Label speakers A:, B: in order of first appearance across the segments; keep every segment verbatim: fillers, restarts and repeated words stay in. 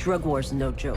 A: drug war's no joke.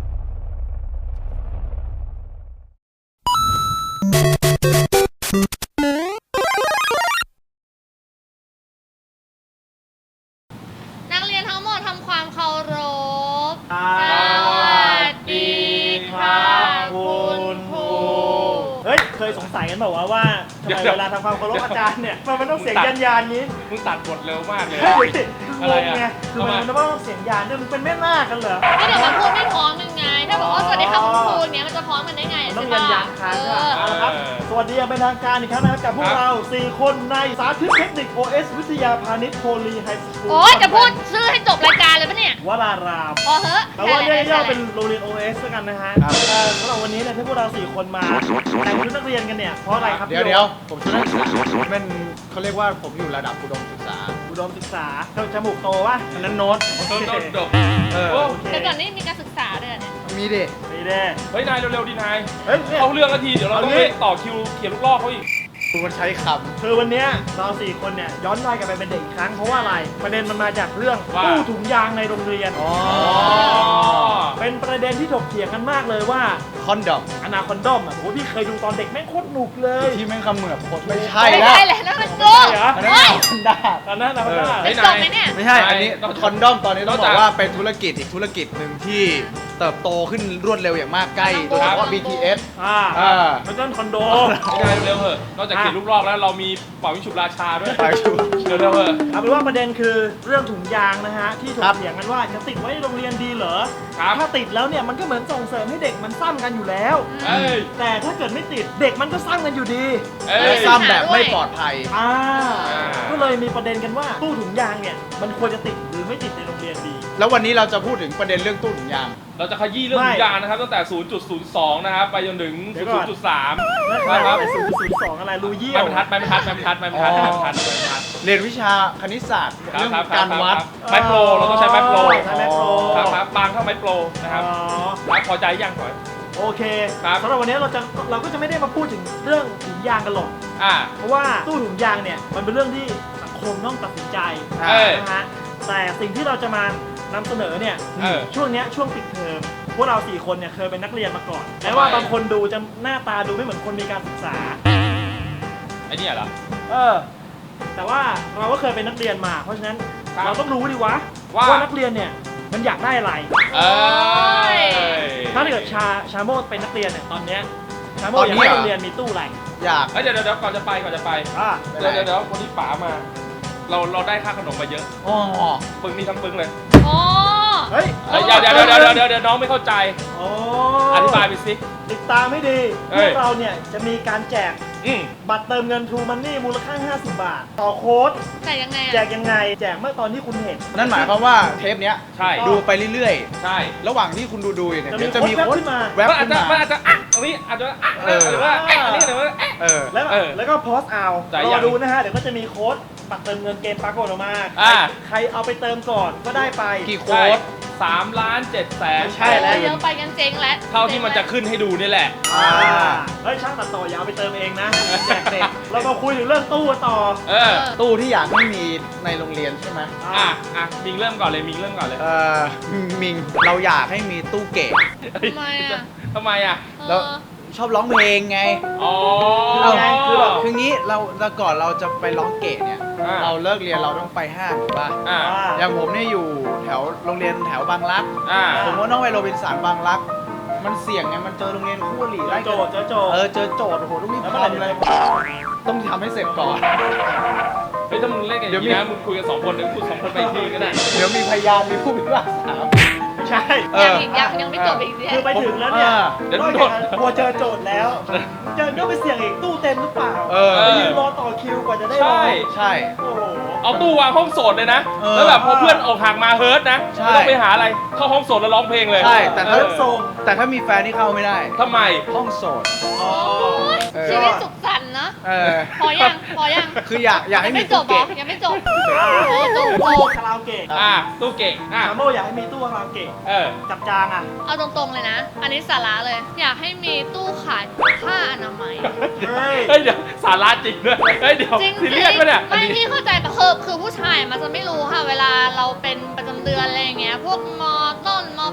B: นักเรียนทั้งหมดทำความเคารพ
C: สวัสดีครับคุณครูเฮ้ยเคยสงสัยกันแบบว่าว่าทำไมเวลาทำความเคารพอาจารย์เนี่ยมันมันต้องเสียงยันยานนี้
D: มึงตัดบทเร็วมากเลย
C: เฮ้ยง
D: อะไร
C: ง
D: อ่ะ
C: ไงคือมันมันต้องเสียงยานด้วยมึงเป็นแม่นาคกันเหรอ
B: ก็เดี๋ยวมันพูดไม่พร้อมยังไง ถ้าบอกว่าสวัสดีค่ะคุณครูเนี้ยมันจะพร้อมกันได้ไง
C: มันต้
B: ใช่
C: องยั
B: ปะ
C: นยานค้าง
B: เอ
C: ใช่ปะ
B: อ
C: เอาละครับสวัสดีอย่างเป็นทางการอีกครั้งนะครับกับพวกเราสี่คนในสาธิตเทคนิค โอ เอส วิทยาพาณิชย์โพลีไฮสคูล
B: โอ้ยจะพูดชื่อให้จบรายการเลยปะเนี่ย
C: วราราม
B: พอเหอะ
C: แต่ว่าเรียก
B: ใช่
C: ย่อ
B: แหละ
C: เป็นโรงเรียน โอ เอส แล้วกันนะฮะเออสำหรับวันนี้เนี่ยที่พวกเราสี่คนมาแต่งชุดนักเรียนกันเนี่ยเพราะอะไรครับ
E: เดี๋ยวเดี๋ยวผมชุดนักศึกษาเป็นเขาเรียกว่าผมอยู่ระดับอุดมศึกษา
C: อุดมศึกษาเขาจมูกโตวะอันนั้นโน้ต
D: โดนโดนดบ
E: เออ
D: โอ้
C: โอเค
B: แต่ก่อนนี้มีการศึกษาด้วยเนี่ย
E: มีดิ
C: นี่แน่
D: เฮ้ยนายเร็วๆดินาย
C: เฮ้ยเนี่ย
D: เอาเรื่องนาทีเดี๋ยวเราต้อง
C: เอางี้
D: ไปต่อคิวเขียนลูกลอกเขาอีก
E: คุณมันใช้ค
C: คือวันเนี้ยเราสี่คนเนี่ยย้อนวัยกลับไปเป็นเด็กอีกครั้งเพราะว่าอะไรประเด็นมันมาจากเรื่อง
D: ว่า
C: ตู้ถุงยางในโรงเรียน
E: ำอ๋อ
C: เป็นประเด็นที่ถกเถียงกันมากเลยว่า
E: คอนดอม
C: อนาคอนดอมอ่ะโอ้พี่เคยดูตอนเด็กแม่งโคตรหนุกเลย
E: ที่แม่งคำเหมือบโคตรไม่ใช่
B: ไม่
E: แล้ว
B: ใช่แหละนั่นมันโก
C: ไม่ใช่เหรอ
E: อันนั้น
B: เฮ้ย
E: คอนด้า
C: ตอนนั้นนะคอนดอม
D: เฮ้
B: เป็
D: ย
B: น
D: นาย
B: จบไหมเนี่ย
E: ไม่ใช่ อันนี้
D: นอกจาก
E: คอนดอมตอนนี้ต้อง
D: นอก
E: บ
D: จา
E: อก กว่าเป็นธุรกิจอีกธุรกิจหนึ่งที่เติบโตขึ้นรวดเร็วอย่างมากใกล้โดยเฉพาะ บี ที เอส
C: อ่า
E: อ่า
C: มันต้นคอนโด
D: ไม่ได้เร็วๆเถอะนอกจากเขียนลูกลอกแล้วเรามีเป่าวิงฉุบราชาด้วย
E: ไปชู
D: เร็วๆเถอะ
C: เอาเป็นว่าประเด็นคือเรื่องถุงยางนะฮะที่ถ
E: ครั
C: ก
E: บ
C: เถียงกันว่าจะติดไว้ในโรงเรียนดีเหรอ
D: ครับ
C: ถ้าติดแล้วเนี่ยมันก็เหมือนส่งเสริมให้เด็กมันซ้ำกันอยู่แล้ว
D: เอ้ย
C: แต่ถ้าเกิดไม่ติดเด็กมันก็ซ้ำกันอยู่ดี
D: เอ้ย
E: ซ้ำแบบไม่ปลอดภัย
C: อ่า
D: อ่า
C: ก็เลยมีประเด็นกันว่าตู้ถุงยางเนี่ยมันควรจะติดหรือไม่ติดในโรงเรียนดี
E: แล้ววันนี้เราจะพูดถึงประเด็นเรื่องตู้ถุงยาง
D: เราจะขยี้เรื่อง
C: ไม่
D: ถุงยางนะครับตั้งแต่ ศูนย์จุดศูนย์สอง นะครับไปจนถึง
C: เดี๋ยวก่อน
D: ศูนย์จุดสาม
C: นะครับ
D: นะครับ
C: ศูนย์ศูนย์สองอะไรรูเยี่ย
D: ไม่
C: ว
D: บรรทัดไม่บรรทัดไม่บรรทัดไม่บรรทัดไม่บรรทัดไม่บรรทัดไม่บรรทัด
E: เรียนวิชาคณิตศาสตร์
D: ครับ
E: เรื่อง
D: ครับ
E: การวัด
D: ไม้โปรเราต้องใช้ไม้โปร
C: ใช้ไม้โปร
D: ครับครับบางเท่าไม้โปรนะครับ
C: อ๋อ
D: ครับพอใจยังก่อน
C: โอเค
D: ครับ
C: สำหรับวันนี้เราจะเราก็จะไม่ได้มาพูดถึงเรื่องถุงยางกันหรอก
D: อ่า
C: เพราะว่าตู้ถุงยางเนี่ยมันเป็นเรื่องที่สังคมต้องตัดสินใจ
D: เออ
C: นะฮะแต่สิ่งที่เราจะมานำเสนอเนี่ย
D: เออ
C: ช่วงเนี้ยช่วงปิดเทอมพวกเราสี่คนเนี่ยเคยเป็นนักเรียนมาก่อนแม้ว่า
D: ทำไม
C: บางคนดูจะหน้าตาดูไม่เหมือนคนมีการศึกษา
D: ไอ้เนี่ยเหรอ
C: เออ แต่ว่าเราก็เคยเป็นนักเรียนมา เพราะฉะนั้น
D: ครับ
C: เราต้องรู้ดิวะ
D: ว่า
C: ว่านักเรียนเนี่ยมันอยากได้อะไร
D: เอ้ย
C: ถ้าเกิดชาชาโมดเป็นนักเรียนเนี่ยตอนเนี้ยชาโม
E: ต
C: ด
E: อน
C: อยาก
E: นี้
C: ให้
E: เหรอ
C: โรงเรียนมีตู้อะไร
E: อยาก
D: เอ้ยเดี๋ยวเดี๋ยวเดี๋ยวก่อนจะไปก่อนจะไป
C: อ่า
E: เป็น
D: เดี๋ยว
E: ไร
D: เดี๋ยวเดี๋ยววันนี้ป๋ามา เราเราได้ค่าขนมมาเยอะ
E: อ๋อ
D: ปึ้งนี่ทั้งปึ้งเลย
B: อ๋อ
C: เฮ้ย
D: เอ้ยเดี๋ยวเดี๋ยวเดี๋ยวเดี๋ยวเดี๋ยวเดี๋ยวน้องไม่เข้าใจ
C: โอ้
D: อธิบายไปสิ
C: ติดตามให้ดี
D: เอ้
C: พวย กเราเนี่ยจะมีการแจก
D: อืม
C: บัตรเติมเงิน True Money มูลค่า ห้าสิบบาท ต่อโค้ด
B: แต่ยังไง
C: แจ
B: อะ
C: กยังไง แจกเมื่อตอนที่คุณเห็น
E: นั่นหมายความว่าเทปเนี้ย
D: ใช่
E: ดูไปเรื่อย
D: ใช่
E: ๆ ระหว่างที่คุณดูดูอยู่เนี่ย
C: จะมี
E: เดี๋ยวจะมี
C: โค้
E: โค้
C: ด
E: ด
C: ขึ้นมา
E: แวบ
D: มันอาจ
E: ขึ้น
D: จะ
E: มา
D: มันอาจจะอ่ะตรงนี้อาจจะอ่ะ
E: เออ
D: หรือว่าอ่ะอันนี้หรือว่าอ่ะ
E: เออ
C: แล้ว
D: เออ
C: แล้วก็โพสต์เอา
D: จ่าย
C: ร
D: ยั
C: อง ดูนะฮะ เดี๋ยวก็จะมีโค้ดบัตรเติมเงินเกมปรากฏออกมา
D: อ่า
C: ใครเอาไปเติมก่อนก็ได้ไป
E: กี่โค้
D: ใช่
E: ด
D: สามล้านเจ็ดแสน
C: ไม่ใช่แล้ว
B: เยอะไปกันเจ๊งแล้ว
D: เท่าที่มันจะขึ้นให้ดูนี่แหละ
C: อ่าเฮ้ยช่างตัดต่ออย่าเอาไปเติมเองนะ แจกเด็กเรามาคุยถึงเรื่องตู้กันต่อ
D: เออ
E: ตู้ที่อยากให้มีในโรงเรียนใช่ไหม
D: อ่ะอ่ะมิงเริ่มก่อนเลยมิงเริ่มก่อนเลย
E: เอ่อมิงเราอยากให้มีตู้เก๋
B: ทำไมอะ
D: ทำไมอ่ะ
B: เอ
E: แล้ว
B: อ
E: ชอบร้องเพลงไง
D: อ๋อ
E: เอาคือแบบคืองี้เราแต่ก่อนเราจะไปร้องเก๋เนี่ย
D: อ่า
E: เราเลิกเรียนเราต้องไปห้างถูกป่ะ
D: อ่า
E: อย่างผมเนี่ยอยู่แถวโรงเรียนแถวบางรัก
D: อ่า
E: ผมก็ต้องไปโรบินสันบางรัก มันเสี่ยงไงมันเจอโรงเรียนคู่อริ
C: เจ
E: ไล่
C: อโจทย์เจอโจทย์
E: เออเจอโจทย์โอ้โหต้องรีบ
C: แล้วเมื่อไหร่
E: ทำ
C: จะ
E: เลย
C: เจอ
E: ต้องทำให้เสร็จก่อน
D: เฮ้ยถ้ามึงเล่นกันอย่างนี้นะมึงคุยกันสองคนเดี๋ยวคุยสองคนไปอีกทีก็ได้
E: เดี๋ยวมีพยานมีผู้พิพากษา
C: ไม่ใช่
E: เอ
B: ยัง
E: อ
B: อีกยังยังไม่จบอีกเนี่ย
C: คือไปถึงแล้วเนี่ย
D: เดี๋ยวน
C: อก
D: โด
C: จาก
D: น
C: กลัวเจอโจทย์แล้ว เจอก็ไปเสี่ยงอีกตู้เต็มหรือเปล่า
E: เออ
C: ไปยืนรอต่อคิวกว่าจะได้รอ
D: ใช่
E: ใช่
C: โอ้โห
D: เอาตู้วางห้องโสดเลยนะ
E: เออ
D: แล้วแบบพอเพื่อนออกห่างมาเฮิร์ตนะ
E: ใช่
D: ไม่ต้องไปหาอะไร เข้าห้องโสดแล้วร้องเพลงเลย
E: ใช่แต่
D: เอ
E: ถ้า
D: อ
C: ส่ง
E: แต่ถ้ามีแฟนนี่เข้าไม่ได้
D: ทำไม
E: ห้องโสด
C: อ๋อ
E: เออ
B: ชีวิตสุขสันต์เนอะ
E: เออ
B: พอยังพอยัง
E: คืออยากอยากให้
B: ยัง
E: มี
B: ไม่จ
E: ตู้
B: บเหร
E: เก๋
B: อยังไม่จบ
C: อ่า
B: โอ้จบ
C: ตู้คาราโอเกะ
D: อ่ะตู้เก่งอ่ะ
C: ชาโมอยากให้มีตู้คาราโอเกะ
D: เออ
C: จับจางอ่ะ
B: เอาตรงๆเลยนะ อันนี้สาระเลย อยากให้มีตู้ขายผ้าอนามัย
C: เฮ้ย
D: เฮ้ยเดี๋ยวสาระจริงด้วยเฮ้ยเดี๋ยว
B: จริง
D: ซีเรียสปะเนี่ยอัน
B: ไม่
D: นี้
B: พี่เข้าใจแต่คือคือผู้ชายมันจะไม่รู้ค่ะ เวลาเราเป็นประจำเดือนอะไรอย่างเงี้ย พวกมอต้นม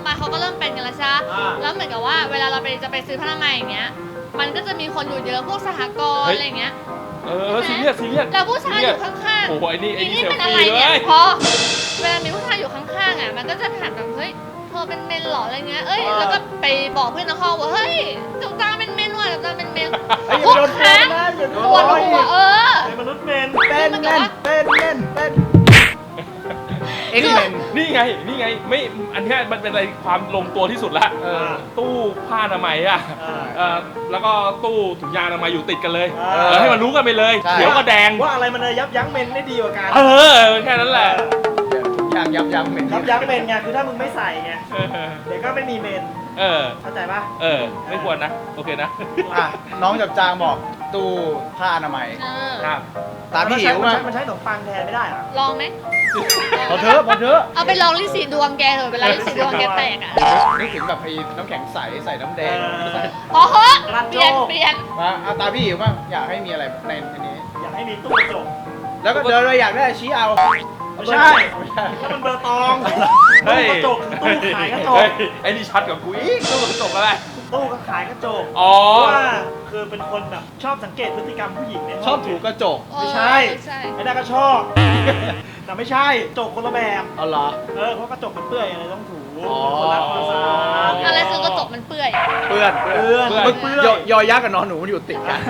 B: มาเขาก็เริ่มเป็นกันแล้วใช่ไหม
C: อ่า
B: แล้วเหมือนกับว่าเวลาเราไปจะไปซื้อผ้าอนามัยอย่างเงี้ยมันก็จะมีคนอยู่เยอะพวกสหกรณ์อะไรอย่างเงี้ย
D: เออซีเรียสซีเรียส
B: แล้วผู้ชายอยู่ข้างๆ
D: โอ้โหไอ้นี่ไอ้นี่
B: นี่
D: เซล
B: เป็นอะไร
D: ฟี่เล
B: เนี่ย
D: ย
B: พอเวลามีผู้ชายอยู่ข้างๆอ่ะมันก็จะถามแบบเฮ้ยเธอเป็นเมนเหรออะไรเงี้ยเอ้ยแล้วก็ไปบอกเพื่อนในห้องว่าเฮ้ยตุ๊กตาเป็นเมนว่ะตุ๊กตาเป็นเมน
C: ไอ้
B: ทุก
C: โดน
B: ครั้ง
C: นะอย่าโด
B: ปวด
C: น
B: หัวเออ
C: เป็นมนุษย์เมน
E: เป็นเล่นเป็นเล่นเป็นเอ็กเมน
D: นี่ไงนี่ไงไม่อันเนี้ยมันเป็นอะไรความลงตัวที่สุดละ
E: เออ
D: ตู้ผ้าอนามัยอ่ะ
C: อ่า
D: เออแล้วก็ตู้ถุงยางอนามัยอยู่ติดกันเลย
C: เออ
D: เออให้มันรู้กันไปเลย
E: ใช่
D: เขียวก็แดง
C: ว่าอะไรมันจะยับยั้งเมนได้ดีกว่ากัน
D: เออแค่นั้นแหละ
E: ทุกอย่างยับยั้งเหม็น
C: ยับยั้งเมนไงคือถ้ามึงไม่ใส่ไง
D: เออ
C: เดี๋ยวก็ไม่มีเมน
D: เออ
C: เข้าใจปะ
D: เออไม่ควรนะโอเคนะ
E: อ่ะน้องจับจางบอกตู้ผ้าอนามัย
B: เออ
D: ครับ
E: ตามพี่หิว
C: มัน
E: มา
C: ใช้มันใช้ขนมปังแทนไม่ได้เหรอ
B: ลองไหม
E: พอเถอะพอเถอะ
B: เอาไปลองลิสีดวงแกเถอะเวลาลิสีดวงแกแตกอ่ะ
E: นึกถึงแบบไอ้น้ำแข็งใสใส่น้ำแดง
C: เออ
B: พอเหอะ
C: กระ
B: เป
C: โจ
B: ลี่ยน
C: ก
B: เปลี่ยน
E: มาเอาตามพี่หิวบ้างอยากให้มีอะไรในอันนี้
C: อยากให้มีตู้กระจก
E: แล้วก็เดินไปอยากได้ชี้เอา
C: ไม่ใช่
E: ไม่ใช่
C: ถ้ามันเบอร์ตอง
D: เฮ้
C: ตู้
D: ย
C: กระจกคือตู้ขายกระจก
D: เฮ้ยไอ้นี่ชัดกว่ากูอีกตู้กระจกอะไร
C: ตู้ก็ขายกระจก
D: อ๋อ
C: เพราะว่าคือเป็นคนแบบชอบสังเกตพฤติกรรมผู้หญิงในห้อง
E: ชอบถูกระจก
C: ไม่ใช่
B: เออใช่
C: ไอ้นั่นก็ชอบ แต่ไม่ใช่จกคนละแบบ
E: เอาเหรอ
C: เออเพราะกระจกมันเปื้อนอะไรต้องถู
E: อ๋อ
C: คนละความสะอาด
B: อะไรคือกระจกมันเปื่อย
E: เปื้อน
C: เปื้อน
D: เปื้อน
C: มันเปื้อน
E: ยอยอยักษ์กับนอนหนูมันอยู่ติดกัน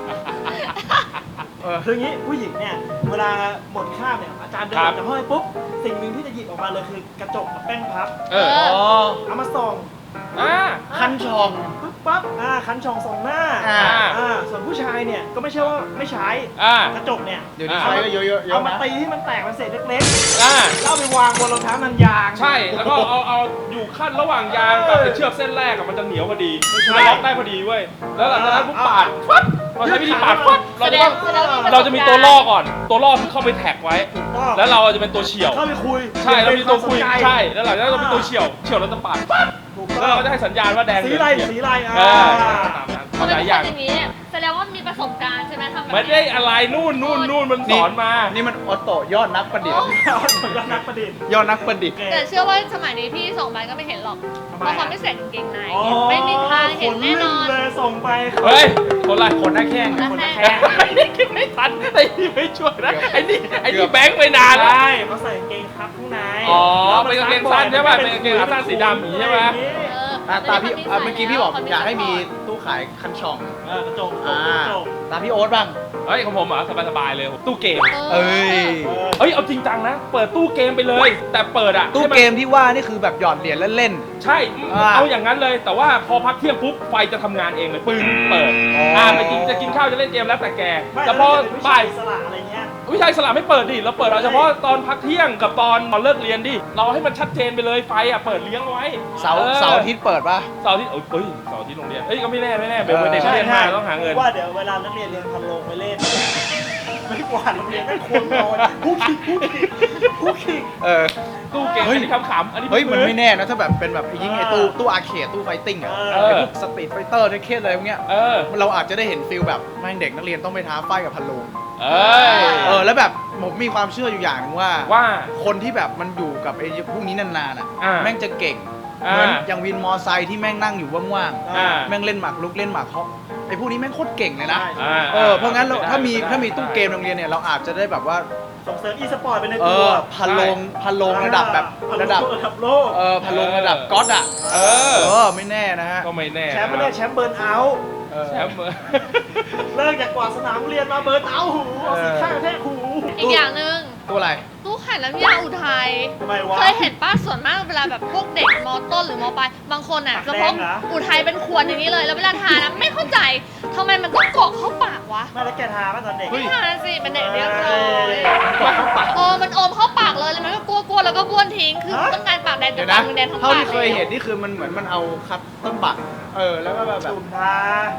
E: เออ
C: คืออย่างนี้ผู้หญิงเนี่ยเวลาหมดคาบเนี่ยอาจารย์เดิน
D: ค
C: อ
D: รั
C: อบ กจากห้องไปปุ๊บสิ่งหนึ่งที่จะหยิบออกมาเลยคือกระจกกับแป้งพับ
D: เออ
B: เออ
E: อ๋อ
C: เอามาส่อง
D: อ่า
E: คันชอง
C: ปุ๊บปั๊บอ่าคันช่องส่องหน้า
E: อ่า
C: อ่าส่วนผู้ชายเนี่ยก็ไม่ใช่ว่าไม่ใช้
D: อ่า
C: กระจกเนี่ย
E: เดี๋ยวนี้
D: อ่า
E: ใช้ก็เยอะๆเย
C: เอา
E: อะ
C: มา
E: นะ
C: ตีที่มันแตกเป็นเศษเล็ก
D: อ่า
C: ๆแล้วเอาไปวางบนรองเท้านันยาง
D: ใช่ แล้วก็เอาเอาอยู่ขั้นระหว่างยางกับไอ้เชือกเส้นแรกอะมันจะเหนียวพอดี
C: ไม่ใช่
D: มันล็อกได้พอดีเว้ย แล้วหลังจากนั้นปุ๊บปาดฟัดเราใช้วิธีปาดฟัดเรา
B: แส
D: จะ
B: ด
D: ต้อง ง
B: แสดงว่า
D: เราจะมีตัวล่อก่อน ตัวล่อคือเข้าไปแท็กไว้
C: ถูกต้อง
D: แล้วเราจะเป็นตัวเฉี่ยว
C: เข้าไปคุย
D: ใช่แล้วมีตัวคุย
C: เป็นวามสนใจ
D: ใช่ แล้วหลังจากนั้นเราเป็นตัวเฉี่ยว เฉี่ยวเราจะปาดฟัด
C: ถูก
D: แล้ว
C: ต้อง
D: เราก็จะให้สัญญาณว่าแดง
C: สี
D: เหลื
C: ไร
D: อง
C: สีไรอ่า
D: เออตามนั้น
B: พอ
D: ห
B: เป็น
D: ลาย
B: ค
D: อย่าง
B: นอย่างนี้เนี่ยแสดงว่ามีประสบการณ์ใช่ไหมทำแบบ
D: ไม่
B: เนี้
D: ได้
B: ย
D: อะไรนู่นนู่นนู่นมันสอนมา
E: นี่มันออโต้ยอดนักประดิษฐ์
C: เอาผลนักประดิษฐ์
E: ยอดนักประดิษฐ์
B: แต่เชื่อว่าสมัยนี้พี่ส่งไปก็ไม่เห็นหรอก
C: ทำ
B: เพ
C: ไม
B: ราะ
C: อะ
B: เขาไม่ใส่กางเกงใน
C: อ๋อ
B: ไม่มีทางเห็นแน่นอน
C: ขเลยส่งไป
D: เฮ้ย คนไร
E: คนหน้าแข้ง
B: นะ
C: คนละ
B: แค่
C: แค่
D: ไอ้นี่คิดไม่ทันไอ้นี่ไม่ช่วยนะ ไอ้นี่ไอ้นี่แบงค์ไปนานแล้ว
C: ใช่เขาใส่กางเกงครับข้างใน
D: อ๋อ
C: แล้วมั
D: เป็นกางเกงสั้นใช่ป่ะเป็นกางเกงขาสั้นสีดำอย่างนี้ใช่ไหม
B: เออ
E: อ่ะตามพี่
B: ดี๋ยว
E: อ่ะเมื่อกี้พี่บอก
B: เข
E: อยากให้มีตู้ขายคันช่อง
C: เออกระจกก
E: อ่า
C: ระจก
E: ตามพี่โอ๊ตบ้าง
D: เฮ้ยของผมอ่ะสบายๆเลย ตู้เกม
E: เอ้ย
C: เออ
D: เฮ้ย เอาจริงจังนะ เปิดตู้เกมไปเลย แต่เปิดอ่ะ
E: ตู้
D: ให้น
E: เกมที่ว่านี่คือแบบหยอดเหรียญเล่น
D: ใช่
E: อ่า
D: เอาอย่างนั้นเลย แต่ว่าพอพักเที่ยงปุ๊บ ไฟจะทำงานเองเลย ปึ้ง เปิด
E: อ๋ออ่
D: อ่าไปกินจะกินข้าวจะเล่นเกมแล้วแต่แก
C: ไม่
D: แต่พอ
C: แล้วเป็นผู้ชา
D: บ่าย ย
C: อิสระอะไรเงี้ย
D: วิชัยสลับไม่เปิดดิ เราเปิดเอาเฉพาะตอนพักเที่ยงกับตอนตอนเลิกเรียนดิ เราให้มันชัดเจนไปเลย ไฟอ่ะ เปิดเลี้ยงไว้
E: ๆ เสาร์
D: ออ
E: เสาร์อาทิตย์เปิดป่ะ
D: เสาร์อาทิตย์เอ้ยเอ้ยเสาร์อาทิตย์โรงเรียนเอ้ย ก็ไม่แน่ไม่แน่เดี๋ยว
E: เออ
D: เด็กเรียนมาต้องหาเงิน
C: ว่าเดี๋ยวเวลานักเรียนเรียนพันโลงไปเล่น ไม่กวาดโรงเรียนไม่ควรนอนผู้คิดผู้คิดผู้คิด
E: เออ
D: ตู้เกม
E: เฮ้ย
D: อันนี้ขำๆอันนี้
E: เฮ้ยมัน
D: พื้
E: ไม่แน่นะถ้าแบบเป็นแบบไอ้ยิงไอ้ตู้ตู้อาร์เคดตู้ไฟติ้งอ่ะ
C: เออ
E: ไอ้พวกสตรีทไฟเตอร์เทคเคสอะไรพวกเนี้ย
D: เออ
E: เราอาจจะได้เห็นฟิลแบบแม่งเด็กนักเรียนต้องไปท้าไฟกับพันโลง
D: เอ้ย
E: เออแล้วแบบผมมีความเชื่ออยู่อย่างหนึงว่า
D: ว่า
E: คนที่แบบมันอยู่กับไอ้พวกนี้นานๆอ่ะ
D: อ่า
E: แม่งจะเก่ง
D: อ่า
E: เหมือนอย่างวินมอไซค์ที่แม่งนั่งอยู่ว่าง
D: อ่า
E: ๆแม่งเล่นหมากรุกเล่นหมากฮอกไอ้พวกนี้แม่งโคตรเก่งเลยนะ
C: ใช่
D: อ่า
E: เออเพราะงั้นเรา
D: ได้
E: ถ้ามี
D: ได้
E: ถ้ามีตู้เกมโรงเรียนเนี่ยเราอาจจะได้แบบว่า
C: ส่งเสริมอีสปอร์ตไปใน
E: เอ
C: ตัว
E: อพันโลงพันโลงระดับแบบระดับ
C: ระดับโลก
E: เออพันโลงระดับก๊อตอ่ะ
D: เออ
E: เออไม่แน่นะฮะ
D: ก็ไม่แน่
C: แชมป์ไม่ได้แชมป์เบิร์นเอาท์
E: เออ
D: แชมป์
C: เลิกจากกวาดสนามเรียนมาเบิร์นเอาท์หูเอาสีข้างกระแทกหู
B: อีกอย่างหนึ่ง
E: ตัวอะไร
B: ตู้ขายน้ำยาอุทัย
C: ทำไมวะ
B: เคยเห็นป้าส่วนมากเวลาแบบพวกเด็กมอต้นหรือมอปลายบางคนอ่ะ
C: ปาก
B: จะ
C: แด
B: พ
C: ง
B: ก
C: เหรอ
B: อุทัยเป็นขวดอย่างนี้เลย แล้วเวลาทานนะไม่เข้าใจทำไมมันต้องกรอกเข้าปากวะ
C: ไม่แล้วแกทาป่ะตอนเด็ก
B: ไม่ทานสิเป็นเด็กเรียบร้อย
C: กวาดเข้าปาก
B: เออมันอมเข้าปากเลยแล้วมันก็กลัวๆแล้วก็บ้วนทิ้งคือ
C: ฮะ
B: ต้องการปากแดง
E: เดี๋
B: แต่
E: ยวนะ
B: ปากมึงแดงทั้ง
E: เท่า
B: ปาก
E: ที่เคยเห็นนี่คือมันเหมือนมันเอาคัตเต้นบัตรเออแล้วก็แบบ
C: จุ่มทา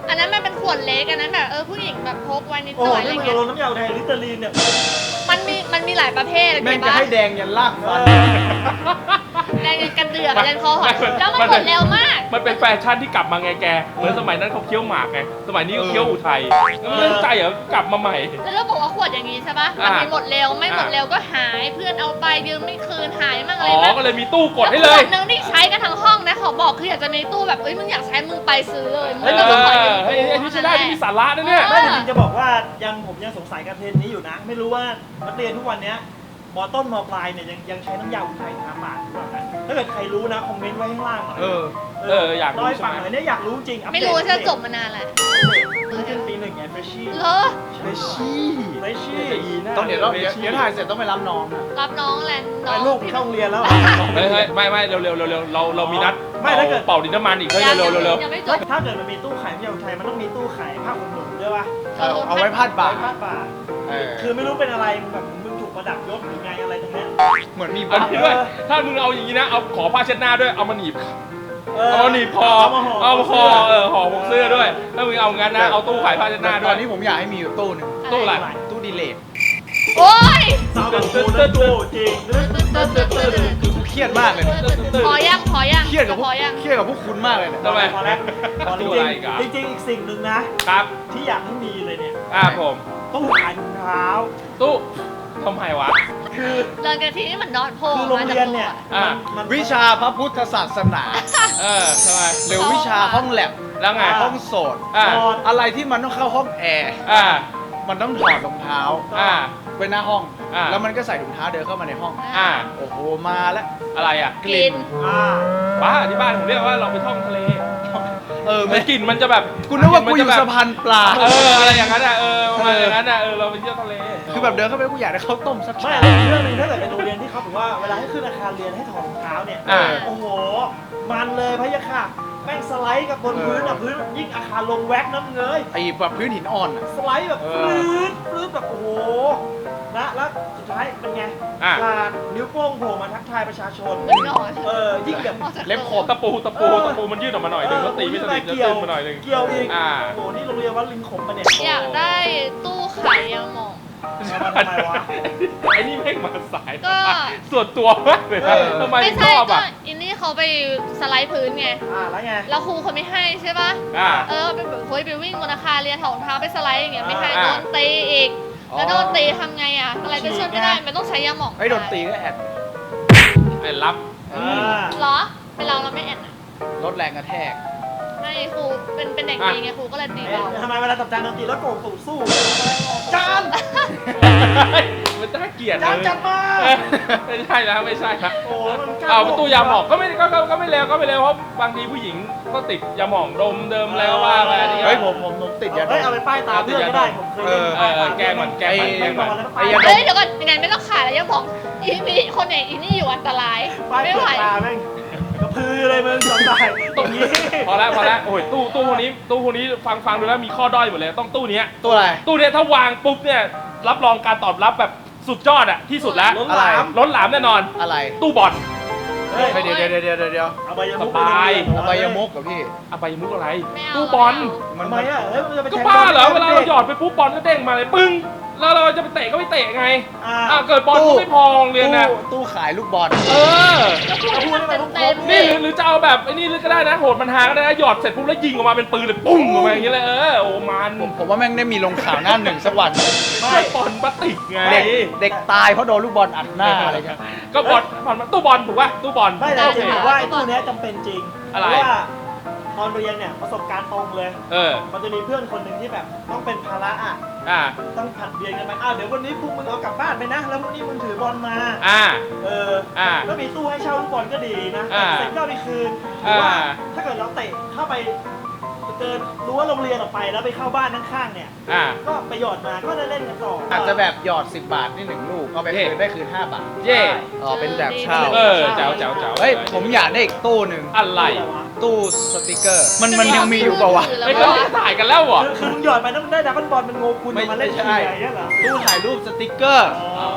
B: อันนั้นมันเป็นขวดเล็กอันนั้นแบบเออผู้หญิงแบบพกไว้นิด
C: โอ้
B: หน่อยอะไร
C: นี่มัน
B: เงี้ย
C: โดนน้ำยาไทยลิตเตอรีนเนี่ย
B: มันมีมันมีหลายประเภท
E: แม่ง
B: เห็น
E: จะ
B: ปะ
E: ให้แดงยันลากฟัน
B: แดงกันเดือกแดงคอหอยแล้วมันหมดเร็วมาก
D: มันเป็นแฟชั่นที่กลับมาไงแกเหมือนสมัยนั้นเขาเคี้ยวหมากไงสมัยนี้เขาเคี้ยวอุทัยเรื่องใจเหรอกลับมาใหม่
B: แล้วเราบอกว่าขวดอย่างนี้ใช่ปะ
D: อ่า
B: มันมีหมดเร็วไม่หมดเร็วก็หายเพื่อนเอาไปยืมไม่คืนหายมั่งอะ
D: อ๋
B: ไร
D: อ
B: มั่ง
D: ก็เลยมีตู้กดให้เล
B: ข
D: ยว
B: ดนึงที่ใช้กันทั้งห้องนะขอบอกคืออยากจะมีตู้แบบเอ้ยมึงอยากใช้มึงไปซื้อเลย
D: เอ
B: ไม่ต้องมาคอย
D: อเฮ้ยไอ้นี่ใช้ได้ที่มีสาระนะเนี่ย
C: ไม่แต่จริงจะบอกว่ายังผมยังสงสัยกับเทรนด์นี้อยู่นะ ไม่รู้ว่านักเรียนทุกวันเนี้ยมอต้นมอปลายเนี่ยยังยังใช้น้ำยาอุทัยทาปากหรือเปล่ากันถ้าเกิดใครรู้นะคอมเมนต์ไว้ข้างล่างหน่อย
E: เออ
D: เอออยากรู้
C: เล่ให้ฟัง
D: ใช่ไหม
C: หน่อยเนี่ยอยากรู้จริงอัปเดต
B: ไม่รู้ว่าจะจบมานานแหละ
C: เพิ่งขึ้นปีหนึ่งไงเฟรชชี่
B: เหรอ
E: เฟรชชี่
C: เฟรชชี่
E: ต้องเดี๋ยวต้องเดี๋ยวเดี๋ยวถ่ายเสร็จต้องไปรับน้องนะ
B: รับน้องแหละน้
C: ไอ้
B: อง
C: ลูกเข้าโรงเรียนแล้ว
D: เฮ้ยเฮ้ยไม่ไม่เร็วเร็วเร็วเร็วเราเรามีนัด
C: ไม่ถ้าเกิด
D: เป่าดินน้ำมันอีกเฮ้ย
B: ยัง
D: เร็วเร็วเร็ว
B: ยังไม่จบ
C: ถ้าเกิดมันมีตู้ขายน้ำยาอุทัยมันต้องมีตู้ขายผ้าขนหนูด้วยป่ะ
E: เอาเอาไว้พาดบ่า
C: ไว้ผ้าป่า
E: เออ
C: คือไม่รู้เป็นอะไรมึงแบบมึงถูกประดับยศหรือไงอะไรตรงเนี้ย
E: เหมือนมี
D: อัน
E: บ้า
D: นี้ด้วยถ้ามึงเอาอย่างนี้นะเอาขอผ้าเช็ดหน้าด้วยเอามาหนีบ
C: เออ
D: เอามาหนีบคอ
C: เอามาห่อ
D: เอามาคอเออห่อพวกเสื้อด้วยถ้ามึงเอางั้นนะเอาตู้ขายผ้าเช็ดหน้าด้
E: ต
D: ว
E: อย นนี้ผมอยากให้มีอยู่ตู้หนึง
D: ตู้อะไร
E: ตู้ดีเลท
B: โอ๊ย
C: สาวแบบโอ้นะดูจริง
E: เครียดมากเลย
B: พอยังพอยัง
E: เครียดกับพ
B: พ
E: ว
B: อก ยัง
E: เครียดกับพวกคุณมากเลยเนี่ย
D: ทำไม
C: พอแล้วพอจ
D: ตู้
C: ริ
D: อะไร
C: ง
D: กัน
C: จริงจริงๆอีกสิ่งหนึ่งนะ
D: ครับ
C: ที่อยากให้มีเลยเนี่ย
D: อ่าผม
C: ตู้ขายถุงเท้า
D: ตู้ทำไมวะ
C: คือ
B: เดินกันทีนี่เหมือนนอนโพ
C: คือโรงเรียนเนี่ย
D: อ่ะ
C: มันมัน
E: วิชาพระพุทธศาสนา
D: เออทำไม
E: หรือวิชาห้องแลบ
D: แล้วไง
E: ห้องโสด
D: อ่า
C: นอน
E: อะไรที่มันต้องเข้าห้องแอร์
D: อ่า
E: มันต้องถอดรองเท้า
D: อ่า
E: ไว้หน้าห้อง
D: อ่า
E: แล้วมันก็ใส่ถุงเท้าเดินเข้ามาในห้อง
D: อ่า
E: โอ้โห มาแล้ว
D: อะไรอ่ะ
E: กลิ่น
C: อ่า
D: บ้าที่บ้านผมเรียกว่าเราไปท่องทะเล
E: เออ
D: มั
E: ไม่
D: นกลิ่นมันจะแบบ
E: กูนึกว่ากูอยู่
D: มัจะแบบ
E: สะพานปลา
D: เอออะไรอย่างนั้นอ่ะเออประมาณอย่างนั้นอ่ะเออเราไปเที่ยวทะเล
E: คือแบบเดินเข้าไปกูอยากได้ข้าวต้มสัก
C: ไม่
E: ชาม
C: แล้วอีกเรื่องหนึงถ้าเกิดเป็นโรงเรียนที่เขาบอกว่าเวลาให้ขึ้นอาคารเรียนให้ถอดรองเท้าเนี่ย
D: อ่า
C: โอ้โห มันเลยพะยะค่ะ แม่งสไลด์กับบนพื้นอ่ะพื้นยิ่งอาคารลงแว็กน้ำเงย
E: ไอ้แบบพื้นหินอ่อนอะ
C: สไลด์แบบ
E: เอ
C: ป
E: อ
C: ลื้ดปลื้ดแบบโอ้โหนะแล้วสุดท้ายเป็นไง
D: อ่ะ
C: ลานนิ้วโป้งโผล่มาทักทายประชาชน
B: เหมือนนอน
C: เออยิ่งแบบ
E: เล็บขบ
D: ตะปูตะปูตะปูมันยืดออกมาหน่อยหนึงแล้วตีไม่สนิทแล้ว
C: เกี่ยว
D: ตึ้งมาหน่อยหนึง
C: เกี่ยวอีก
D: อ่า
C: โอ้โหนี่โรงเรียนวัดลิงขมปะเนี่ย
B: อยากได้ตู้ขายยาหมอง
C: เอามาทำไมวะ
D: ไอ้นี่แม่งมาสาย
B: ก็
D: ส่วนตัวมากเลยนะ
C: เออ
D: ทำไม
B: ไม่
D: ช
B: ใช่
D: อบ
B: ก็
D: อ่ะ
B: อินนี่เขาไปสไลด์พื้นไง
C: อ่าแล้วไง
B: แล้วครูเขาไม่ให้ใช่ปะ
D: อ่า
B: เออไปแบบเฮ้ยไปวิ่งบนอาคารเรียนถอดรองเท้าไปสไลด์อย่างเงี้ยไม่ให้
D: อ่า
B: โดนตีอีก
E: อ๋อ
B: แล้วโดนตีทำไงอ่ะอะไรก็ช่วยไม่ได้มันต้องใช้ยาหมอง
E: ไอ้โดนตีก็แอด
D: ไอ้รับ
C: อ่า
B: เหรอเป็นเราเราไม่แอนอะ
E: ลดแรงกระแทก
B: ไม่ครูเป็นเป็นเด็กดีไงครูก็เลยตี
C: เอ๊ะ
B: เรา
C: ทำไมเวลาตับจานดนตรีแล้วโกงสูตรสู้จาน
D: มันน่าเกลียด
C: จานจัดมา
D: เออไม่ใช่แล้วไม่ใช่ครับ
C: โอ้แล้วมันกล้
D: เอาประตูยาหมองก็ไม่ก็ก็ก็ไม่เลวก็ไม่เลวเพราะบางทีผู้หญิงก็ติดยาหมองดมเดิมอะไรก็ว่าไปอันนี้ก็
E: เฮ้ยผมผมผมติดยาด
C: เฮ้ยเอา
E: ม
C: ไปป้ายตาเพื่อนก็ได้ผมเคยเล่น
D: เออเออแกล้งมันแกล้งมันแกล้งมัน
C: ไอ้
E: ไอ้ยาด
B: เฮ้ยเดี๋ยวก่อนยังไงไม่ต้องขายแล้วยาหมองอีนี่คนไหนอีนี่อยู่อันตราย
C: ป้าย
B: ไม่
C: เปิ
B: ไหว
C: ดตาแม่งกระพือเลยมึงจำได้ตรงนี้
D: พอแล้วพอแล้วโอ้ยตู้ตู้พวกนี้ตู้พวกนี้ฟังฟังดูแล้วมีข้อด้อยหมดเลยต้องตู้เนี้ย
E: ตัวอะไร
D: ตู้เนี้ยถ้าวางปุ๊บเนี่ยรับรองการตอบรับแบบสุดยอดอะที่สุดแล้ว
C: ล้นหลาม
D: ล้นหลามแน่นอน
E: อะไร
D: ตู้บอล
C: เฮ้ย
E: เฮ้ยเดี๋ยวเดี๋ยวเดี๋ยวเดี๋ยวเดี๋ยว
C: เอาใบยมุก
D: สบาย
E: เอาไปยมุกกับพี่
D: อะไปมุกอะไร
B: ไม่เอา
D: ตู้บอล
C: ทำไมอ่ะเฮ้ยมันจะไป
D: ก็
C: แทง
D: บ้าเหรอ
C: บ
D: เวลาเราหยอดไปปุ๊บบอลก็เด้งมาเลยปึ้งแล้วเราจะไปเตะก็ไม่เตะไง
C: อ่า
D: อ่ะเกิดบอลก็ไม่พอโรงเรียนนะ
E: ตู้ตู้ขายลูกบอล
D: เออ
B: แล้วครูให้มันเต็มเต็ม
D: นี่หรือหรือจะเอาแบบไอ้นี่ก็ได้นะโหดมันหาก็ได้นะหยอดเสร็จปุ๊บแล้วยิงออกมาเป็นปืนเลยปุ้งออกมาอย่างเงี้ยเลยเออโอ้มัน
E: ผมผมว่าแม่งได้มีลงข่าวหน้าหนึ่งสักวัน
C: ไม่
D: ไม่บอลพลาสติกไง
E: เด็กเด็กตายเพราะโดนลูกบอลอัดหน้าอะไรเงี้ย
D: ก็บอลบอลตู้บอลถูกป่ะตู้บอล
C: ไม่แต่จริงๆผมว่าไอ้ตู้เนี้ยจำเป็นจริง
D: อะไร
C: เพราะว่าตอนเรียนเนี่ยประสบการณ์ตรงเลย
D: เออ
C: มันจะมีเพื่อนคนหนึ่งที่แบบต้องเป็นภาระอ่ะ
D: อ่า
C: ต้องผัดเวียนกันไปอ้าวเดี๋ยววันนี้พวกมึงเอากลับบ้านไปนะ แล้วพรุ่งนี้มึงถือบอลมา
D: อ่า
C: เออ
D: อ่า
C: ก็มีตู้ให้เช่าลูกบอลก็ดีนะ
D: อ่า
C: เสร็จก็เอาไปคืนหรือว่า
D: อ่า
C: ถ้าเกิดเราเตะเข้าไปเกินรั้วโรงเรียนออกไปแล้วไปเข้าบ้านข้างๆเนี่ย
D: อ่า
C: ก็ไปหยอดมาก็ได้เล่นกันต่ออ
E: อาจจะแบบหยอดสิบบาทนี่หนึ่งลูกเอาไปคืนได้คืนห้าบาท
D: เย่
E: อ๋อเป็นแบบเช่า
D: เออแจ๋วแจ๋วแจ๋ว
E: เฮ้ยผมอยากได้อีกตู้หนึ่ง
D: อะไร
E: ตู้สติกเกอร์ มันมันยังมีอยู่เปล่าวะ
D: ไม่เขาถ่ายกันแล้วเหรอ
C: คือคือมึงหยอดไปแล้วมึงได้ดับเบิลบอลเป็นโงกุล
E: ไม่
C: มาเล่น
E: ใช่
C: ทีอย่างเงี้ยเหรอ
E: ตู้ถ่ายรูปสติกเกอร์
C: อ๋อ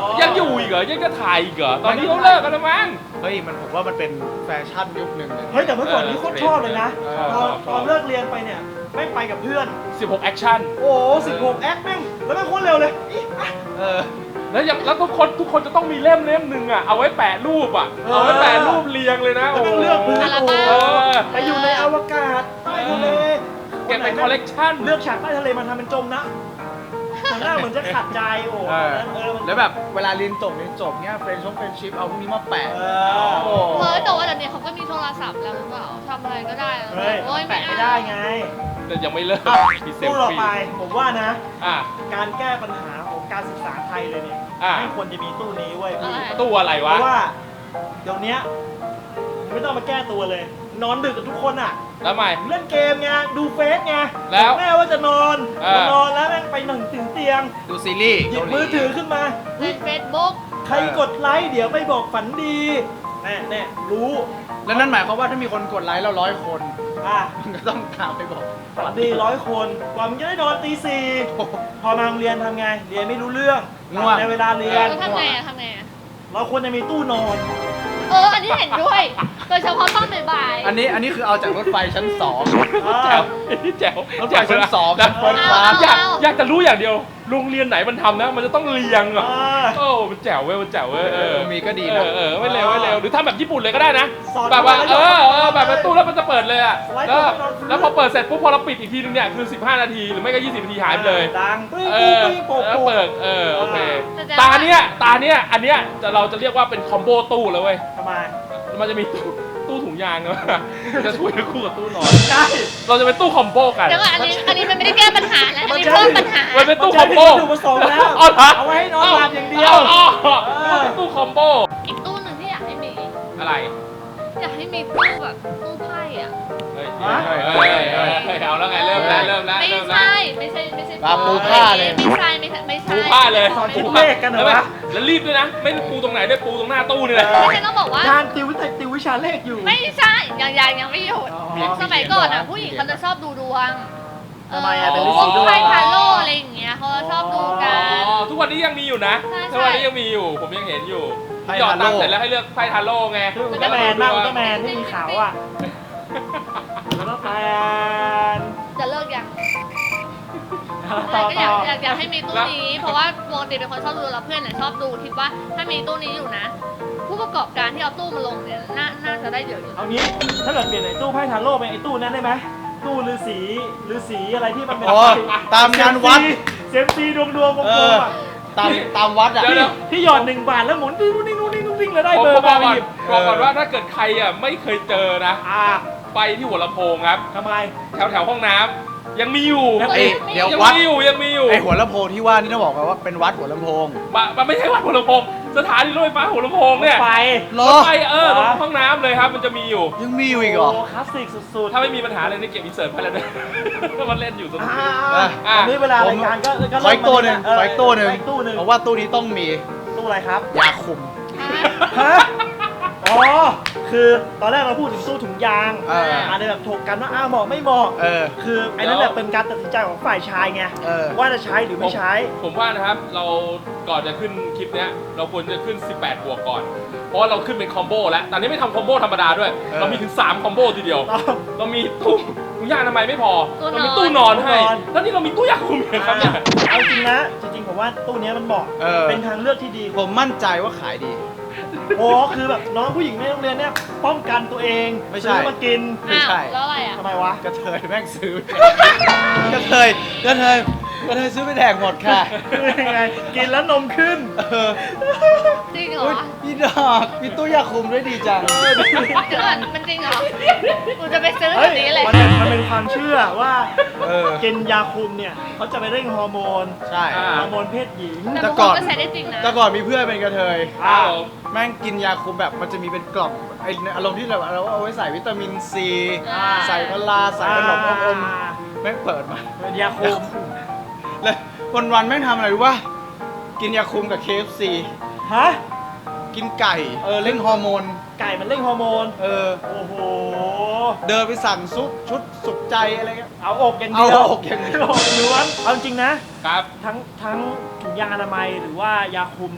D: ยังอยู่อีกเหรอยังจะถ่ายอีกเหรอตอนนี้เขาเลิกกันแล้วมั้ง
E: เฮ้ยมันผมว่ามันเป็นแฟชั่นยุคหนึ่งเลย
C: เฮ้ยแต่เมื่อก่อนนี้โคตรชอบเลยนะ
D: เออ
C: ตอน
D: ชอบ
C: ตอนเลิกเรียนไปเนี่ยไม่งไปกับเพื่อน
D: สิบหกแอคชั่น
C: โอ้สิบหกแอคแม่งแล้วแม่งโคตรเร็วเลยอี๊ะอ่ะ
E: เออ
D: แล้วยังแล้วทุกคนทุกคนจะต้องมีเล่มเล่มหนึ่งอ่ะเอาไว้แปะรูปอ่ะ
C: เออ
D: เอาไว้แปะรูปเรียงเลยนะ
C: แล้วแม่งเลือกพื้น
B: อัล
C: โอ้
B: บั้ม
C: โห
D: เออ
C: ไปอยู่ในอวกาศใต้ทะเล
D: เก็บเป็นคอลเลกชัน
C: เลือกฉากใต้ทะเลมาทำเป็นจมนะทางหน้าเหมือนจะขัดใจโอ้โห
E: เออ
C: เออมัน
E: แล้วแบบเวลาเรียนจบเรียนจบเนี้ยเฟรนช์ชงเฟรนชิพเอาพวกนี้มาแปะ
C: เอ
E: โอ้
C: อ
B: เฮ้ยแต่ว่าเดี๋ยวนี้เขาก็มีโทรศัพท์แล้วหรือเปล่าทำอะไรก็ได้แล้ว
C: เฮ้ย
B: โอ้ย
C: แปะไม่ได้ไง
D: แต่ยังไม่เลิกมีเซล
C: ตู้ต่อ
D: ฟี่
C: ไปผมว่านะ
D: อ่ะ
C: การแก้ปัญหาของการศึกษาไทยเลยเนี่ย
D: อ่ะ
C: ไม่ควรจะมีตู้นี้เว้ยพี่
B: อะไร
D: ตู้อะไร
C: เพ
D: วะ
C: ราะว่าเดี๋ยวเนี้ยไม่ต้องมาแก้ตัวเลย นอนดึกกับทุกคนอ่ะ
D: แล้วใหม่
C: เล่นเกมไงดูเฟซไง
D: แล้ว
C: แม่ว่าจะนอน
D: เออ
C: จะนอนแล้วแม่งไปหนึ่งถึงเตียง
E: ดูซีรีส์
C: หยิบมือถือขึ้นมา
B: เล่นเฟซบุ๊ก
C: ใครกดไลค์เดี๋ยวไปบอกฝันดีแน่แน่รู้
E: แล้วนั่นหมายความว่าถ้ามีคนกดไลค์เราร้อยคน
C: อ่ะ
E: มันก็ต้องถามไปบอก
C: ฝันดีร้อยคนกว่ามึงจะได้นอนตีสี่พอมาโรงเรียนทำไง เรียนไม่รู้เรื่อง
E: ง่วง
C: ในเวลาเรีย
B: เอน อทำไงอะทำไงอะ
C: เราควรจะมีตู้นอน
B: เออ อันนี้เห็นด้วย โดยเฉพาะตอนบ่ายๆ
E: อันนี้อันนี้คือเอาจากรถไฟชั้นสอง
D: แจ๋วแจ๋ว
E: รถไฟชั้นสอง
D: แล้
E: ชั้
D: วน
E: เฟิร์สคลาส
D: อยากอยากจะรู้อย่างเดียว โรงเรียนไหนมันทำนะ มันจะต้องเรียง
C: เอ
D: อ่ะ
C: อ
D: โอ้มันแจ๋วเว้ยมันแจ๋วเว้ยเออ
E: มีก็ดี
D: เอ
E: นะ
D: อเออไม่เร็วไม่เร็วหรือทำแบบญี่ปุ่นเลยก็ได้นะ
C: สอน
D: แบบว่า
C: มา
D: เอ
C: แล้ว
D: อเออ
C: สอนมา
D: แบบประตูแล้วมันจะเปิดเลยอ่ะ
C: สไลด์
D: แล้ว
C: ก่อนนอนพื้น
D: แล้วพอเปิดเสร็จปุ๊บพอเราปิดอีกทีนึงเนี่ยคือสิบห้านาทีหรือไม่ก็ยี่สิบนาทีหายไปเลย
C: ดังปิ้ง
D: เอ
C: ปิ้ง
D: อ
C: ปิ้งโปก
D: แล้ว
C: โปก
D: เปิดเออโอเค
B: แสดงว่า
D: ตาเนี้ยตาเนี้ยอันเนี้ยจะเราจะเรียกว่าเป็นคอมโบตู้เลยเว้ย
C: ทำไม
D: มันจะมีตู้ตู้ถุงยางนะจะช่วยคู่กับตู้นอน
C: ใช่
D: เราจะเป็นตู้คอมโบกัน
B: เดี๋ยวก่อนอันนี้ อันนี้มันไม่ได้แก้ปัญหาแล้ว อันนี้เพิ่มปัญหา
D: มันเป็นตู้คอมโบ
C: ถูกผสมแล้ว
D: เอาเหรอ
C: เอาไว้ให้นอนหลับอย่างเดียว
D: อ๋อ
C: เออ
D: มันเป็นตู้คอมโบ
B: อีกตู้หนึ่งที่อยากให้มี
D: อะไร
B: อยากให้มีตู้แบบตู้ไพ่อะ
D: เฮ้ยเฮ้ยเฮ้ยเฮ้ยเฮ้ยเฮ้ยเอาแล้วไงเริ่มแล้วเริ่มแล้ว
B: ไม่
D: เริ่มแล้ว
B: ใช่ ไม่ใช่ ไม่ใช่
E: ปลาปูผ้าเลย
B: ไม่ใช่ไม่ใช่ไม่ใช่
D: ปูผ้าเลย
C: สอน
D: ปู
C: คิด
D: ผ้า
C: เลขกันเหรอวะ
D: แล้วรีบด้วยนะ ไม่ได้ปูตรงไหนด้วยปูตรงหน้าตู้นี่แหละ
B: ไม่ใช่ต้องบอกว่า
C: ทานติววิทยติววิชาเลขอยู่
B: ไม่ใช่ยังยังยังไม่หยุด
C: อ๋อ
B: สมัยก่อนอ่ะ ผู้หญิงเขาจะชอบดูดวง
C: ทำไมอะ
B: เ
C: เป็นฤาษีดวง
B: ไพ่ทาโร่อะไรอย่างเงี้ยเขาจะชอบดูกัน
D: อ๋อ ทุกวันนี้ยังมีอยู่นะ
B: ใช่ใช่
D: ทุกวันนี้ยังมีอยู่ ผมยังเห็นอยู่
E: ไพ่
D: หยอดตังค์
E: ทาโร่
D: เสร็จแล้วให้เลือกไพ่ทาโร่ไง
C: คืออุลตร้าแมนบ้างอุลตร้าแมนที่มีขาวอ่ะอุลตร้าแมน
B: จะเลิกยัง
C: ต่อ
B: ก็อยา
C: ต่
B: ก
C: อ
B: อยากอยากให้มีตู้นี้ เพราะว่าปกติเป็นคนชอบดูแล้วเพื่อนเนี่ยชอบดูคิดว่าถ้ามีตู้นี้อยู่นะ ผู้ประกอบการที่เอาตู้มาลงเนี่ยน่าน่าจะได้เยอะอยู่
C: เอางี้ถ้าเกิดเปลี่ยนไอ้ตู้ไพ่ทาโร่เป็นไอ้ตู้นั้นได้ไหมตู้ฤาษีฤาษีอะไรที่มันเป็น
E: โอ้ตามงานวัด
C: เซมซีดวงดวงกล
E: เอ
C: ม
E: อ
C: ๆอ่ะ
E: ตามตามวัดอ่ะ
D: เดี๋ยวเดี๋ยว
C: ที่หยอดหนึ่งบาทแล้วหมุนดิ้งดิ้งดิ้งดิ้งดิ้งแล้วได้
D: ผม
C: เบอ
D: ผม
C: ร์
D: บ
C: มา
D: อกก่อน
C: หยิบ
D: บอกก่อนว่าถ้าเกิดใครอ่ะไม่เคยเจอนะ
C: อ่า
D: ไปที่หัวลำโพงครับ
C: ทำไม
D: แถวแถวห้องน้ำยังมีอยู่
C: แล้ว
E: เอ้ยเดี๋ยว
D: ยัง
E: วัด
D: มีอยู่ยังมีอยู่
E: ไอหัวลำโพงที่ว่านี่ต้องบอกกันว่าเป็นวัดหัวลำโพง
D: มามันไม่ใช่วัดหัวลำโพงสถานีรถไฟฟ้าหัวลำโพงเนี่ย
C: ไฟ
E: เหร
D: ร
E: อ
D: ถไฟเออตรงห้องน้ำเลยครับมันจะมีอยู่
E: ยังมีอยู่อีกเหรอ
C: โอ้คลาสสิกสุดๆ
D: ถ้าไม่มีปัญหาอะไรนี่เก็บอินเสิร์ตไปแล้วด้วย มันเล่นอยู่สนุก
C: อ่า
D: ดี
C: อ่าตอนนี้เวลารายการก็ก็
E: ขออีกตัวหนึ่ง
C: เริ่ม
E: ขออีกตัวหนึ่ง
C: ขออีกตู้หนึ่ง
E: เพราะว่าตู้นี้ต้องมี
C: ตู้อะไรครับ
E: ยาคุม
C: ฮะ อ๋อ คือตอนแรกเราพูดถึงตู้ถุงยาง
E: เออ
C: อาจจะแบบถกกันว่าอ้าวเหมาะไม่เหมาะ
E: เออ
C: คือไอ้นั่นแหละเป็นการตัดสินใจของฝ่ายชายไง
E: เออ
C: ว่าจะใช้หรือไม่ใช้
D: ผมว่านะครับเราก่อนจะขึ้นคลิปเนี้ยเราควรจะขึ้นสิบแปดบวกก่อน เพราะว่าเราขึ้นเป็นคอมโบแล้วตอนนี้ไม่ทำคอมโบธรรมดาด้วย
E: เออ
D: เรามีถึงสามคอมโบทีเดียว
C: ต้อง
D: เรามีตู้ถุงยางทำไมยไม่พอ
B: ตู้นอน
D: เรามีตู้นอนให้
C: ตู้นอน
D: แล้วนี่เรามีตู้ยาคุมอีกครับเนี่ย
C: เอาจริงนะ จริงๆผมว่าตู้เนี้ยมันเหมาะ
E: เออ
C: เป็นทางเลือกที่ดี
E: ผมมั่นใจว่าขายดี
C: โอ้คือแบบน้องผู้หญิงในโรงเรียนเนี่ยป้องกันตัวเอง
E: ไม่ใช่
C: ซื้อมากิน
E: ไม่ใช่
B: อ้าวแล้วอะไรอ่ะ
C: ทำไมวะ
E: กระเทยแม่งซื้อ กระเทยกระเทยกระเทยซื้อไปแดกหมดค่ะ
C: คือยังไง กินแล้วนมขึ้น
E: เออ
B: จริงเหรอ
E: อุ๊ยพี่ดอกมีตู้ยาคุมด้วยดีจัง
C: เออดี
B: เดี๋ยวก่อนมันจริงเหรอกูจะไปซื้อแบ
C: เฮ้ย
B: บนี้เลย
C: มันเป็นมันเป็นความเชื่อว่า
E: เออ
C: กินยาคุมเนี่ยเขาจะไปเร่งฮอร์โมน
E: ใช่
D: อ่า
C: ฮอร์โมนเพศหญิง
B: แต่
E: แต่
B: บาง
E: ก่
B: ค
E: อน
B: นก็ใช้ได้จริงนะ
E: แต่ก่อนมีเพื่อนเป็นกระเทย
C: อ้าว
E: แม่งกินยาคุมแบบมันจะมีเป็นกล่องไออารมณ์ที่เราเราเอาไว้ใส่วิตามินซี
B: อ่า
E: ใส่พลาใส่ขนมอมอม
C: อ่า
E: แม่งเปิดมา
C: เป็นยาคุม
E: เลยวันวันๆแม่งทำอะไรรู้ป่ะกินยาคุมกับ เค เอฟ ซี
C: ฮะ
E: กินไก่เออเร่งฮอร์โมน
C: ไก่มันเร่งฮอร์โมน
E: เออ
C: โอ้โห
E: เดินไปสั่งซุปชุดสุขใจอะไรเงี้ย
C: เอาอกอย่างเดียว
E: เอาอกอย่างเดียว
C: อกล้วนเอาจริงนะ
D: ครับ
C: ทั้งทั้งถุงยางอนามัยหรือว่ายาคุมเนี่ย เ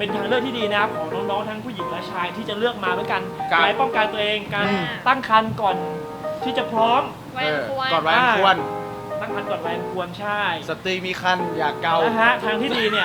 C: เป็นทางเลือกที่ดีนะครับของน้องๆทั้งผู้หญิงและชายที่จะเลือกมาด้วยกัน
D: ครับ
C: การป้องกันตัวเองการ
B: อืม
C: ตั้งครรภ์ก่อนที่จะพร้อม
B: ไว้ควร
E: ก่อนวัยอันควร
C: ตั้งครรภ์ก่อนวัยอันควรใช่
E: สตรีมีคันอย่าเกา
C: นะฮะทางที่ดีเนี่ย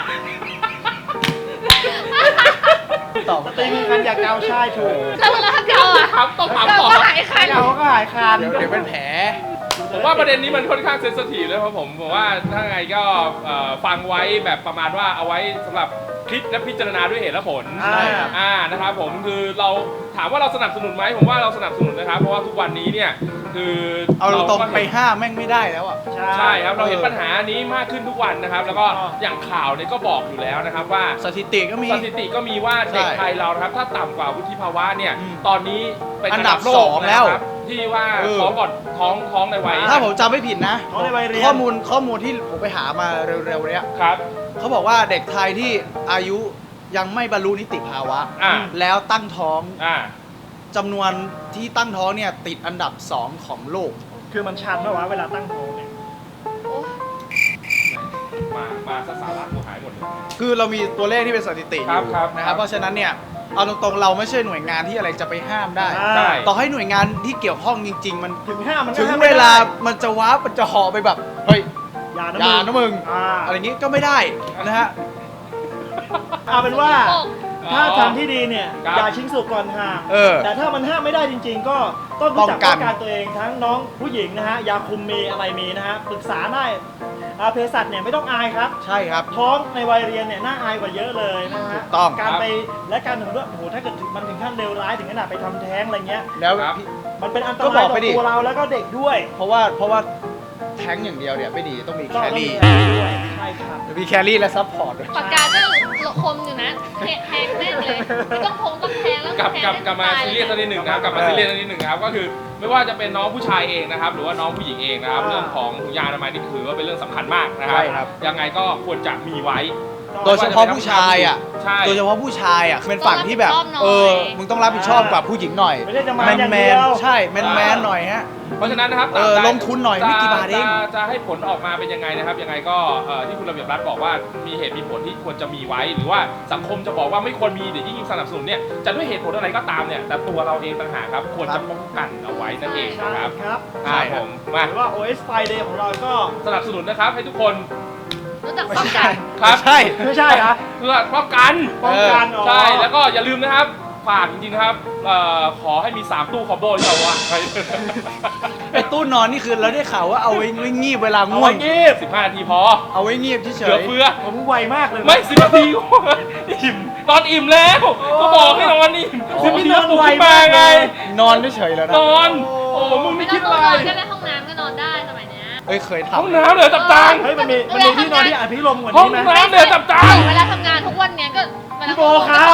E: ตอบ
C: สตรีมีคันอยากเกาใช่ถูก
B: แล้วเวลาเกาอ่ะ
D: ถามต้องถาม
B: เกา
D: ต่อ
B: ก็หายคัน
C: เกาก็หายคัน
E: เดี๋ยวเดี๋ยวเป็นแผล
D: ผมว่าประเด็นนี้มันค่อนข้างเซนซิทีฟเลยครับผมผมว่าถ้าไงก็เอ่อฟังไว้แบบประมาณว่าเอาไว้สำหรับคิดและพิจารณาด้วยเหตุและผล
C: อ่า
D: อ่านะครับผมคือเราถามว่าเราสนับสนุนไหมผมว่าเราสนับสนุนนะครับเพราะว่าทุกวันนี้เนี่ยคือ
E: เอาตรง
D: ก็
E: ๆไปห้ามแม่งไม่ได้แล้วอ่ะ
D: ใช่ครับเราเห็น
E: เออ
D: ปัญหานี้มากขึ้นทุกวันนะครับ แล้วก็อย่างข่าวเนี่ยก็บอกอยู่แล้วนะครับว่า
E: สถิติก็มี
D: สถิติก็มีว่าเด็ก
E: ใช่
D: ไทยเรานะครับถ้าต่ำกว่าวุฒิภาวะเนี่ย
E: อืม
D: ตอนนี้เป็น
E: อันดับ
D: โล
E: ส
D: ก
E: อง
D: นะ
E: แล้ว
D: ครับที่ว่า
E: เออ
D: ท้องก่อนท้องท้องในวัย
E: ถ้าผมจำไม่ผิดนะ
C: ท้องในวัยเรียน
E: ข้อมูลข้อมูลที่ผมไปหามาเร็วๆเนี้ย
D: ครับ
E: เขาบอกว่าเด็กไทยที่อายุยังไม่บรรลุนิติภาวะ
D: อ่า
E: แล้วตั้งท้อง
D: อ่า
E: จำนวนที่ตั้งท้องเนี่ยติดอันดับสองของโลก
C: คือมันชันปะวะเวลาตั้งท้องเนี่ย
B: โอ้ย
D: มามาซะสาระกูหายหมดเลย
E: คือเรามีตัวเลขที่เป็นสถิติอ
D: ครับ
E: ยู่
D: ครับ
E: นะครับ เพราะฉะนั้นเนี่ยเอาตรงๆเราไม่ใช่หน่วยงานที่อะไรจะไปห้ามได้
C: อ่า
D: ใช่
E: ต่อให้หน่วยงานที่เกี่ยวข้องจริง ๆ มัน
C: ถึงห้ามันก็
E: ถึง
C: ห้ม
E: เว
C: ไม่ได้
E: ลามันจะว้ามันจะห่อไปแบบเฮ้ย
C: อย่านะ
E: อย่า
C: มึง
E: นะมึง
C: อ่า
E: อะไรอย่างงี้ก็ไม่ได้นะฮะ
C: เอาเป็นว่า ถ้าทางที่ดีเนี่ย
D: ครับ
C: อย่าชิงสุกก่อนห้าม
E: เออ
C: แต่ถ้ามันห้ามไม่ได้จริง ๆ ก็ต้องรู้จัก
E: ป้
C: ป้
E: อ
C: อง ง
E: กัน
C: กันตัวเองทั้งน้องผู้หญิงนะฮะยาคุมมีอะไรมีนะฮะปรึกษาได้อ่าเภสัชเนี่ยไม่ต้องอายครับ
E: ใช่ครับ
C: ท้องในวัยเรียนเนี่ยน่าอายกว่าเยอะเลยนะฮะ
E: ถูกต้อง
C: การ
D: ครับ
C: ไปและการถึงด้วยโอ้โหถ้าเกิดมันถึงขั้นเลวร้ายถึงขนาดไปทำแท้งอะไรเงี้ย
E: แล้ว
D: ครับ
E: พี่
C: มันเป็นอันต
E: ก็บ
C: รา
E: อย ก
C: ต่
E: ไป
C: อ
E: ดิ
C: ตัวเราแล้วก็เด็กด้วย
E: เพราะว่าเพราะว่าแท้งอย่างเดียวเนี่ยไม่ดีต้องมี
C: ก็
E: แค
C: ต้อง
E: รี่
C: มีแท้งด้วยใช่ครับ
E: มีแครี่และซัพพอร์ตด้วย
B: ปากกาก็คมอยู่นะแทงแทงแม่งเลยไม่ต้องพงต้องแทงแล้ว
D: กลับ
B: แทง
D: กลับ
B: ให้
D: กลับมา
B: ตย
D: ซีเรียสสักนิดหนึ่งนะครับกลับมา
E: เออ
D: ซีเรียสสักนิดหนึ่งนะครับก็คือไม่ว่าจะเป็นน้องผู้ชายเองนะครับหรือว่าน้องผู้หญิงเองนะครับ
C: อ่า
D: เรื่องของถุงยางอนามัยนี่ถือว่าเป็นเรื่องสำคัญมากนะครับ
E: ใช่ครับ
D: ยังไงก็ควรจะมีไว้
E: โดยเฉพาะผู้ชายอ่ะ
D: ใช่
E: โดยเฉพาะผู้ชายอ่ะเป็นฝั่งที่แบบ
B: ต้องรับผิดชอบหน่อย
E: เออ มึงต้องรับผิดชอบกับผู้หญิงหน่อย
C: ไม่ใช่จะมา
E: แมน
C: อย่าง
E: แม
C: เดี
E: น
C: ยว
E: ใช่แมนแมนหน่อยฮะ
D: เพราะฉะนั้นนะครับ
E: เออ
D: ตามใด
E: ลงทุนหน่อยไม่กี่บาทเอง
D: จะจะให้ผลออกมาเป็นยังไงนะครับยังไงก็เอ่อที่คุณระเบียบรัฐบอกว่ามีเหตุมีผลที่ควรจะมีไว้ หรือว่าสังคมจะบอกว่าไม่ควรมีเดี๋ยวยิ่งสนับสนุนเนี่ยจะด้วยเหตุผลอะไรก็ตามเนี่ยแต่ตัวเราเองต่างหากครับควรจะป้องกันเอาไว้นั่นเอง
C: ใช่
D: นะครับ
C: ครับ
E: ใช่
D: ครับ
E: ค
D: ผ
E: รับ
D: มมา
C: หรือว่า โอ เอส Friday ของเราก็
D: สนับสนุนนะครับให้ทุกคน
B: รู้จัก
E: ไม่
B: ป้อง
E: ใช่
B: กัน
D: ครับ
E: ใช่
C: ไม่ใช่เหรอ
D: เพื่อป้องกัน
C: ป้องกันอ๋อ
D: ใช่แล้วก็อย่าลืมนะครับฝากจริงๆนะครับเอ่อขอให้มีสามตู้คอมโบที่เราวางไว้
E: ไอ้ตู้นอนนี่คือเราได้ข่าวว่าเอาไว้ไว้งีบเวลา
C: เอา
E: ง่ว
C: ไว้
E: ง
C: งีบ
D: สิบห้านาทีพอ
E: เอาไว้งีบเฉ
D: เหลือย เฟือ
C: ผมไวมากเลยนะ
D: ไม่สิบนาทีอิ่มนอนอิ่มแล้วก็บอกให้นอนอิ่ม
C: โอ้
D: สิบนาที
C: นอน
D: ปลุก
C: ไว
D: ขึ้นมาไง
C: มากเลย
E: ๆนอนเฉยๆแล้วนะ
D: นอนโอ้มึง
B: ไม่
D: ไม่
B: ต้อ
D: คิ
B: ง
D: ด
B: น
D: อะไร
B: อนก็ได้ห้องน้ำก็นอนได้สมัยเนี้ย
E: เอ้ยเคย
D: ห้อง
E: ทำ
D: น้ำเหลือตับจาง
C: เฮ้ยมันมีมันมีที่นอนที่อภิรมย์กว่า
D: ห้อง
C: นี้ไหม
D: น้ำเหลือตับจาง
B: เวลาทำงานทุกวันเนี้ยก็เวลา
C: พี่โบครับ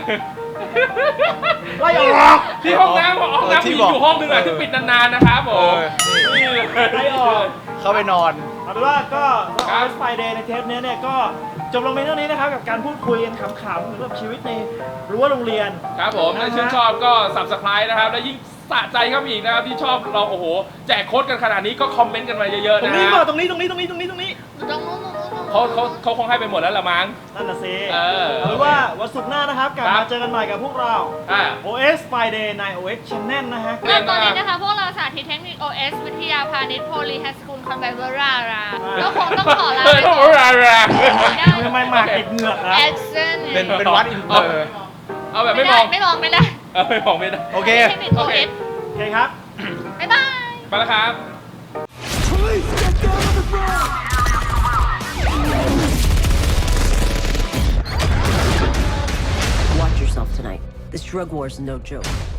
C: ไล่ออก
D: ที่ห้องน้ำห้องน้ำ
E: ที่
D: มี
E: บอก
D: อยู่ห้องหนึงอ่ะที่ปิดนานๆนะครับผ
E: เอ
D: ม
E: อนี่
D: นี่เลย
C: ไล่ออก
E: เข้าไปนอน
C: เอาเป็นว่าก็
D: ครั
C: โอบ เอส Friday ในเทปเนี้ยเนี่ยก็จบลงไปเท่านี้นะครับ กับการพูดคุยกันขำๆเกี่ยวกับชีวิตในรั้วโรงเรียน
D: ครับผมถ้าชื่นชอบก็ subscribe นะครับ และยิ่งสะใจครับอีกนะครับที่ชอบเราโอ้โห แจกโค้ดกันขนาดนี้ก็คอมเมนต์กันมาเยอะๆ
C: ตร
D: นะ
C: งนี้
D: ฮะ
C: ก็ตรงนี้ตรงนี้ตรงนี้ตรงนี้ตรงนี้
B: ตรงนู้นตรงนู้นตรงนู้น
D: เขาเขาเขาคงให้ไปหมดแล้วละมั้ง
C: นั่นน่ะสิ
D: เออ
C: เอาเป็นว่าวันศุกร์หน้านะครับกลับ
D: ครั
C: มา
D: บ
C: เจอกันใหม่กับพวกเรา
D: อ่า
C: โอ เอส Friday ใน โอ เอส Channel นะฮะ
B: เริ่มตอนนี้นะคะ พวกเราสาธิตเทคนิค โอ เอส วิทยาพาณิชย์โพลีไฮสคูลคอนไบเวอราราก็คงต้องขอลา
D: เออ
B: ไป
D: ต้อง
B: ก่อน
D: รารา
B: ได้
C: ทำไมหมากติดเหงือกครับ
B: แอคเซน
E: เป็นเป็นวัดอินเตอร์
D: เอาแบบ
B: ไม่
D: ไม่ม
B: ได้
D: อง
B: ไม่มองไม่ได้
D: เออไม่มองไม่ได้
E: โอเค
B: เทคนิค โอ เอส
C: โอเคครับ
B: บ๊ายบาย
D: ไปแล้วครับ
A: Watch yourself tonight. This drug war is no joke.